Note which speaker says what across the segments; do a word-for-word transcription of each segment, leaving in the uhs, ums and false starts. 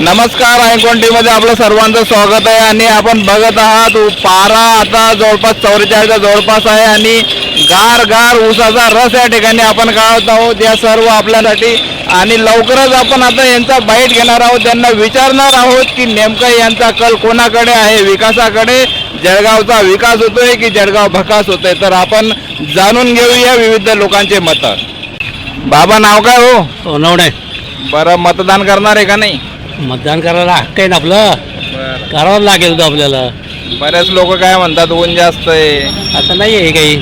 Speaker 1: नमस्कार, icon T मध्ये आपलं सर्वांचं स्वागत आहे आणि आपण बघत आहात पारा आता जवळपास चौवेचाळीसच्या जवळपास आहे आणि गार गार ऊसाचा रस या ठिकाणी आपण काढत आहोत या सर्व आपल्यासाठी. आणि लवकरच आपण आता यांचा बाईट घेणार आहोत, त्यांना विचारणार आहोत की नेमकं यांचा कल कोणाकडे आहे, विकासाकडे, जळगावचा विकास होतोय की जळगाव भकास होतोय. तर आपण जाणून घेऊया विविध लोकांचे मत. बाबा नाव काय हो?
Speaker 2: सोनवणे.
Speaker 1: बरं, मतदान करणार आहे का नाही?
Speaker 2: मतदान करायला हक्क आहे ना आपलं, करावं लागेल होतं आपल्याला.
Speaker 1: बरेच लोक काय म्हणतात ऊन जास्त आहे.
Speaker 2: आता नाही आहे काही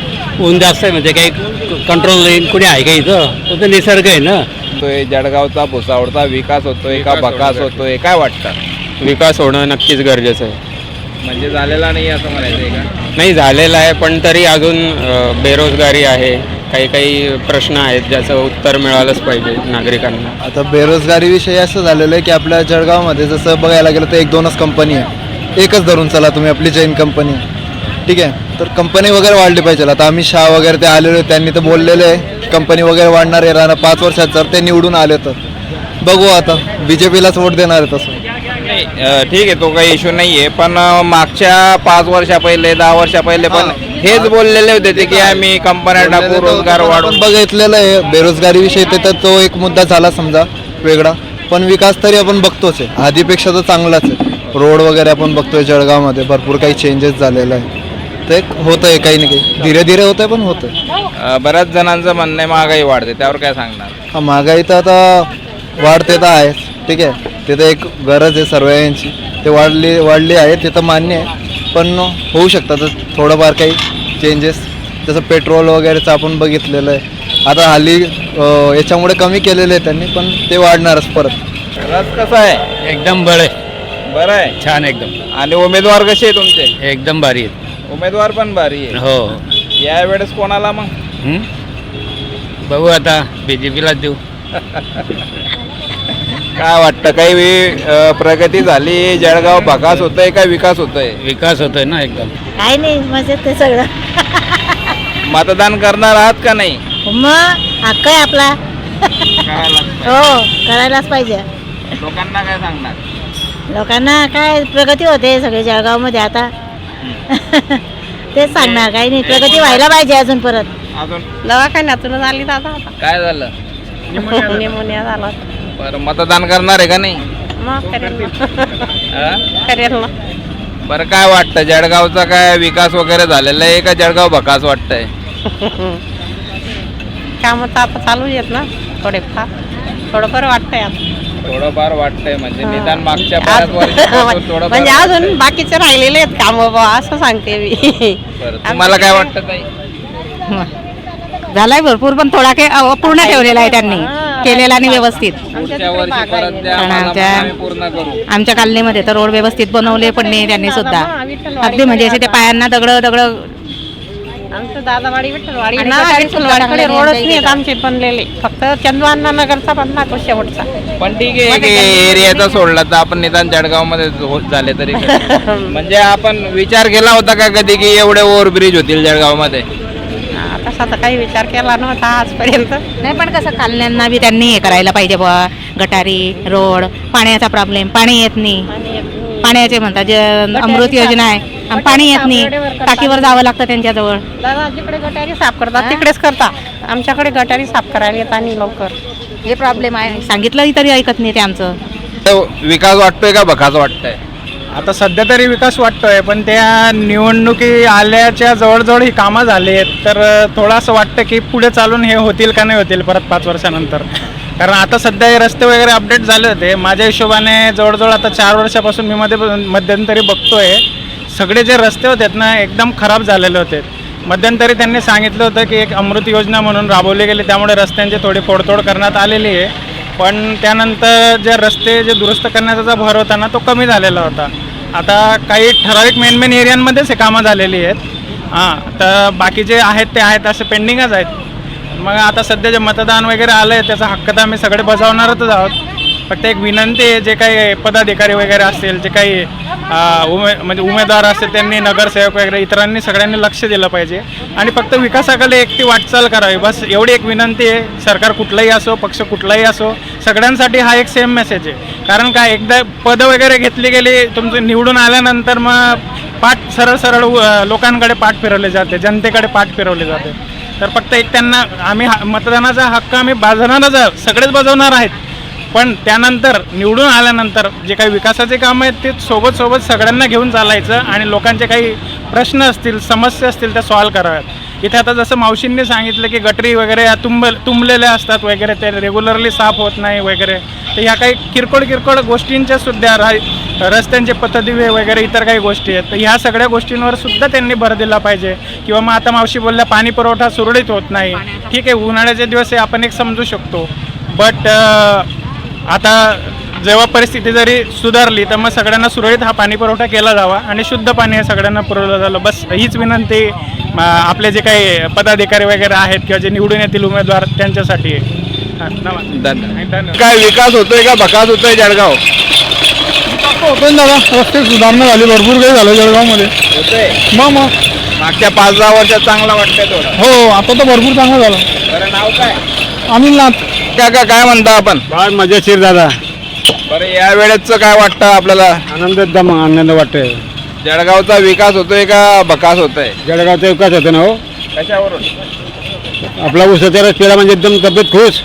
Speaker 2: ऊन जास्त आहे म्हणजे काही कंट्रोल नाही कोणी आहे का इथं, तो तर निसर्ग आहे ना.
Speaker 1: तो जळगावचा भुसावळचा विकास होतोय का भकास होतोय, काय वाटतं?
Speaker 3: विकास होणं नक्कीच गरजेचं आहे.
Speaker 1: म्हणजे झालेला नाही असं म्हणायचं आहे का?
Speaker 3: नाही झालेलं आहे, पण तरी अजून अ, बेरोजगारी आहे, काही काही प्रश्न आहेत ज्याचं उत्तर मिळालंच पाहिजे नागरिकांना.
Speaker 4: आता बेरोजगारीविषयी असं झालेलं आहे की आपल्या जळगावमध्ये जसं बघायला गेलं तर एक दोनच कंपनी आहे, एकच धरून चला तुम्ही, आपली जैन कंपनी, ठीक आहे. तर कंपनी वगैरे वाढली पाहिजे. आता अमित शहा वगैरे ते आलेले, त्यांनी तर बोललेले आहे कंपनी वगैरे वाढणार आहे राहणार पाच वर्षात, जर ते निवडून आले तर बघू. आता बी जे पीलाच वोट देणार आहे तसं.
Speaker 1: नाही अं, ठीक आहे, तो काही इश्यू नाही आहे, पण अं, मागच्या पाच वर्षा पहिले दहा वर्षा पहिले पण हेच बोललेले होते ते की आम्ही कंपन्या टाकू, रोजगार वाढवून.
Speaker 4: बघितलेलं आहे बेरोजगारीविषयी, ते तर तो एक मुद्दा झाला समजा वेगळा, पण विकास तरी आपण बघतोच आहे, आधीपेक्षा तर चांगलाच आहे. रोड वगैरे आपण बघतोय जळगावमध्ये भरपूर काही चेंजेस झालेलं आहे, ते होत आहे काही ना काही, धीरे धीरे होत आहे पण होत आहे.
Speaker 1: अं, बऱ्याच जणांचं म्हणणं आहे महागाई वाढते, त्यावर काय सांगणार?
Speaker 4: हा, महागाई तर आता वाढते तर आहेच, ठीक आहे, ते तर एक गरज आहे सर्वांची, ते वाढली वाढली आहे ते तर मान्य आहे, पण होऊ शकतात थोडंफार काही चेंजेस, जसं पेट्रोल वगैरेचं आपण बघितलेलं आहे. आता हल्ली अं, याच्यामुळे कमी केलेलं आहे त्यांनी, पण ते वाढणारच परत.
Speaker 1: रस कसा आहे?
Speaker 2: एकदम बळे,
Speaker 1: बरं आहे.
Speaker 2: छान एकदम,
Speaker 1: आणि उमेदवार कसे आहे तुमचे?
Speaker 2: एकदम भारी आहे.
Speaker 1: उमेदवार पण भारी आहे.
Speaker 2: हो,
Speaker 1: या वेळेस कोणाला मग?
Speaker 2: हं? बघू आता बी जे पीलाच देऊ.
Speaker 1: काय वाटतं, काही अं, प्रगती झाली, जळगाव भकास होतोय का विकास होतोय?
Speaker 2: विकास होतोय ना एकदम.
Speaker 5: काय नाही, मजेत ते सगळं.
Speaker 1: मतदान करणार आहात का नाही?
Speaker 5: मग हक्क आहे आपला. हो, करायलाच पाहिजे.
Speaker 1: लोकांना काय सांगणार?
Speaker 5: लोकांना काय प्रगती होते सगळे जळगावमध्ये आता. तेच सांगणार, काही नाही, प्रगती व्हायला पाहिजे अजून परत.
Speaker 1: अजून
Speaker 5: दवाखान्यातून आली दादा आता.
Speaker 1: काय झालं?
Speaker 5: निमोनिया झाला.
Speaker 1: बरं, मतदान करणार आहे का नाही?
Speaker 5: मग करेल
Speaker 1: हा?
Speaker 5: करेल ना.
Speaker 1: बरं, काय वाटतं जळगावचा काय विकास वगैरे झालेला आहे का जळगाव भकास वाटतंय?
Speaker 5: कामं तर आता चालू आहेत ना थोडेफार, थोडं बरं वाटतंय आता.
Speaker 1: थोडंफार वाटतंय म्हणजे
Speaker 5: हा.
Speaker 1: निदान मागच्या बऱ्याच वर्षापासून थोडं
Speaker 5: म्हणजे अजून बाकीचे राहिलेले आहेत काम बाबा, असं सांगते मी.
Speaker 1: तुम्हाला काय वाटतं ताई?
Speaker 6: झालाय भरपूर, पण थोडा काही अपूर्ण ठेवलेला आहे त्यांनी, केलेला नाही व्यवस्थित.
Speaker 1: पुढच्या वर्षी परत द्या,
Speaker 6: कारण
Speaker 1: आम्हाला
Speaker 6: आमच्या-
Speaker 1: आम्ही पूर्ण करू.
Speaker 6: आमच्या कॉलनीमध्ये तर रोड व्यवस्थित बनवले पण नाही त्यांनी सुद्धा, अगदी म्हणजे असे ते पायांना दगड दगड.
Speaker 5: आमचं दादावाडी विठ्ठलवाडी
Speaker 6: आणि
Speaker 5: ना,
Speaker 6: गटारी
Speaker 5: विठ्ठलवाडीकडे
Speaker 6: सुद्धा
Speaker 5: रोडच
Speaker 6: चांगले
Speaker 5: नाहीत आमचे बनलेले, फक्त चंदवांना नगरचा बनला तो शेवटचा.
Speaker 1: पण ठीक आहे, एक एरियाचा सोडला तर आपण निदान जळगाव मध्ये होत झाले तरी काय? म्हणजे आपण विचार केला होता का कधी की एवढे ओव्हरब्रिज होतील जळगाव मध्ये?
Speaker 5: तसा तर काही विचार केला नव्हता आजपर्यंत.
Speaker 6: नाही, पण कसं कॉलन्यांना बी त्यांनी हे करायला पाहिजे बुवा, गटारी, रोड, पाण्याचा प्रॉब्लेम, पाणी येत नाही, पाण्याचे म्हणतात जे अमृत योजना आहे, आणि पाणी येत नाही, टाकीवर जावं लागतं त्यांच्याजवळ.
Speaker 5: दादा जिकडे गटारी साफ करतात तिकडेच करता, आमच्याकडे गटारी साफ करायला येत आणि लवकर.
Speaker 6: हे प्रॉब्लेम आहे, सांगितलं तरी ऐकत नाही ते आमचं.
Speaker 1: विकास वाटतोय का भकास वाटतंय?
Speaker 7: आता सध्या तरी विकास वाटतोय, पण त्या निवडणुकी आल्याच्या जवळजवळ ही कामं झाली आहेत, तर थोडं असं वाटतं की पुढे चालून हे होतील का नाही होतील परत पाच वर्षानंतर. कारण आता सध्या हे रस्ते वगैरे अपडेट झाले होते, माझ्या हिशोबाने जवळजवळ आता चार वर्षापासून मी मध्ये मध्यंतरी बघतोय, सगळे जे रस्ते होते ना एकदम खराब झालेले होते. मध्यंतरी त्यांनी सांगितलं होतं की एक अमृत योजना म्हणून राबवली गेली, त्यामुळे रस्त्यांची थोडी फोडतोड करण्यात आलेली आहे, पण त्यानंतर जे रस्ते जे दुरुस्त करण्याचा जो भर होता ना तो कमी झालेला होता. आता काही ठराविक मेन मेन एरियांमध्येच हे कामं झालेली आहेत. हां, तर बाकीचे आहेत ते आहेत असे पेंडिंगच आहेत. मग आता सध्या जे मतदान वगैरे आलं आहे त्याचा हक्क तर आम्ही सगळे बजावणारच आहोत, फक्त एक विनंती आहे, जे काही पदाधिकारी वगैरे असतील, जे काही अ, उमे म्हणजे उमेदवार असतील, त्यांनी नगरसेवक वगैरे इतरांनी सगळ्यांनी लक्ष दिलं पाहिजे आणि फक्त विकासाकडे एक ती वाटचाल करावी, बस एवढी एक विनंती आहे. सरकार कुठलंही असो, पक्ष कुठलाही असो, सगळ्यांसाठी हा एक सेम मेसेज आहे. कारण काय, एकदा पदं वगैरे घेतली गेली, तुमचं निवडून आल्यानंतर मग पाठ सरळ सरळ अ, लोकांकडे पाठ फिरवले जाते, जनतेकडे पाठ फिरवले जाते. तर फक्त एक त्यांना आम्ही हा मतदानाचा हक्क आम्ही बजावणारच आहोत, सगळेच बजावणार आहेत, पण त्यानंतर निवडून आल्यानंतर जे काही विकासाचे कामं आहेत ते सोबत सोबत सगळ्यांना घेऊन चालायचं आणि लोकांचे काही प्रश्न असतील, समस्या असतील त्या सॉल्व कराव्यात. इथे आता जसं मावशींनी सांगितलं की गटरी वगैरे या तुंब तुंबलेल्या असतात वगैरे, ते रेग्युलरली साफ होत नाही वगैरे, तर ह्या काही किरकोळ किरकोळ गोष्टींच्या सुद्धा रा रस्त्यांचे पथदिवे वगैरे इतर काही गोष्टी आहेत, तर ह्या सगळ्या गोष्टींवर सुद्धा त्यांनी भर दिला पाहिजे. किंवा मग आता मावशी बोलल्या पाणी पुरवठा सुरळीत होत नाही, ठीक आहे, उन्हाळ्याचे दिवस हे आपण एक समजू शकतो, बट आता जेव्हा परिस्थिती जरी सुधारली तर मग सगळ्यांना सुरळीत हा पाणी पुरवठा केला जावा आणि शुद्ध पाणी हे सगळ्यांना पुरवलं झालं, बस हीच विनंती आपले जे काही पदाधिकारी वगैरे आहेत किंवा जे निवडून येतील उमेदवार त्यांच्यासाठी आहे.
Speaker 1: धन्यवाद. काय विकास होतोय का बकास होतोय जळगाव?
Speaker 8: होतोय दादा, रस्ते सुधारणा झाली, भरपूर काही झालं जळगावमध्ये.
Speaker 1: होतोय.
Speaker 8: मग मग
Speaker 1: मागच्या पाच दहा वर्षात चांगला वाटतंय थोडं.
Speaker 8: हो, आता तर भरपूर चांगलं झालं.
Speaker 1: बरं, नाव काय?
Speaker 8: अनिलनाथ.
Speaker 1: काका काय म्हणता आपण?
Speaker 2: फार मजेशीर दादा,
Speaker 1: बरं, या वेळेचं काय वाटतं आपल्याला?
Speaker 2: आनंद एकदम आनंद वाटतोय.
Speaker 1: जळगावचा विकास होतोय का बकास होतोय?
Speaker 2: जळगावचा विकास होतो ना हो,
Speaker 1: कशावरून?
Speaker 2: आपला उसाचा रस पिला म्हणजे एकदम तब्येत खुश.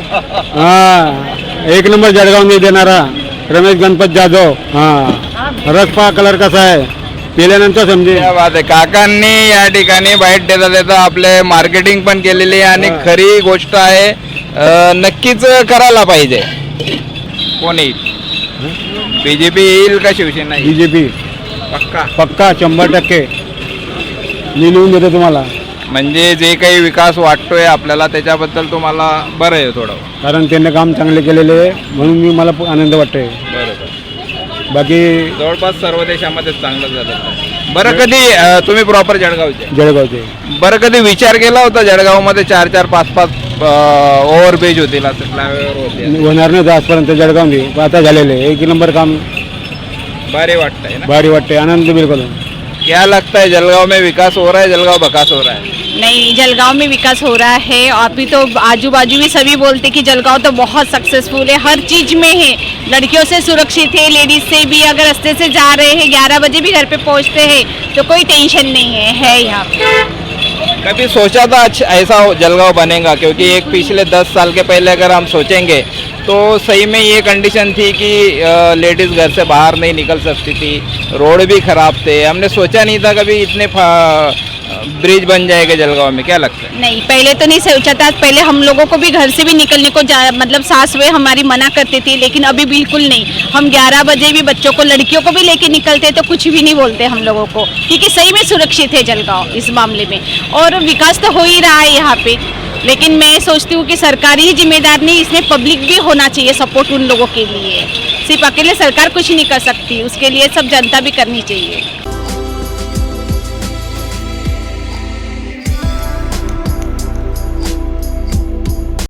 Speaker 2: हा, एक नंबर जळगाव देणारा रमेश गणपत जाधव. हा, रस पहा कलर कसा आहे, पिल्यानंतर समजेल.
Speaker 1: क्या बात आहे. काकांनी या ठिकाणी बाईट देता देता आपले मार्केटिंग पण केलेली आहे आणि खरी गोष्ट आहे, अं, नक्कीच करायला पाहिजे. कोण येईल? बीजेपी येईल का शिवसेना येईल?
Speaker 2: बीजेपी
Speaker 1: पक्का.
Speaker 2: पक्का शंभर टक्के मी लिहून देतो तुम्हाला.
Speaker 1: म्हणजे जे काही विकास वाटतोय आपल्याला त्याच्याबद्दल तुम्हाला बरं आहे थोडं?
Speaker 2: कारण त्यांनी काम चांगले केलेले आहे म्हणून मी मला आनंद वाटतोय.
Speaker 1: बरोबर.
Speaker 2: बाकी
Speaker 1: जवळपास सर्व देशामध्ये चांगलं झालं. बरं, कधी अं, तुम्ही प्रॉपर जळगावचे?
Speaker 2: जळगावचे
Speaker 1: बरं, कधी विचार केला होता जळगावमध्ये चार चार पाच पाच ओव्हरब्रिज होतील, असं फ्लायओव्हर होतील?
Speaker 2: होणार नाही आजपर्यंत जळगावमध्ये, पण आता झालेले आहे. एक नंबर काम
Speaker 1: भारी वाटतंय ना?
Speaker 2: भारी वाटते, आनंद बिलकुल.
Speaker 1: क्या लगता है जलगांव में विकास हो रहा है, जलगांव बकास हो रहा है?
Speaker 6: नहीं, जलगांव में विकास हो रहा है. अभी तो आजू बाजू भी सभी बोलते कि जलगांव तो बहुत सक्सेसफुल है, हर चीज़ में है. लड़कियों से सुरक्षित है, लेडीज से भी, अगर रास्ते से जा रहे हैं ग्यारह बजे भी घर पे पहुंचते हैं तो कोई टेंशन नहीं है है यहाँ पे.
Speaker 1: कभी सोचा था अच्छा ऐसा हो- जलगांव बनेगा? क्योंकि एक पिछले दस साल के पहले अगर हम सोचेंगे तो सही में ये कंडीशन थी कि लेडीज़ घर से बाहर नहीं निकल सकती थी, रोड भी ख़राब थे. हमने सोचा नहीं था कभी इतने ब्रिज बन जाएगा जलगांव में. क्या लगता है?
Speaker 6: नहीं, पहले तो नहीं सोचा था. पहले हम लोगों को भी घर से भी निकलने को जा मतलब सास वे हमारी मना करती थी, लेकिन अभी बिल्कुल नहीं. हम ग्यारह बजे भी बच्चों को, लड़कियों को भी लेके निकलते तो कुछ भी नहीं बोलते हम लोगों को, क्योंकि सही में सुरक्षित है जलगांव इस मामले में. और विकास तो हो ही रहा है यहाँ पे, लेकिन मैं सोचती हूँ कि सरकारी ही जिम्मेदार नहीं, इसमें पब्लिक भी होना चाहिए सपोर्ट उन लोगों के लिए. सिर्फ अकेले सरकार कुछ नहीं कर सकती, उसके लिए सब जनता भी करनी चाहिए.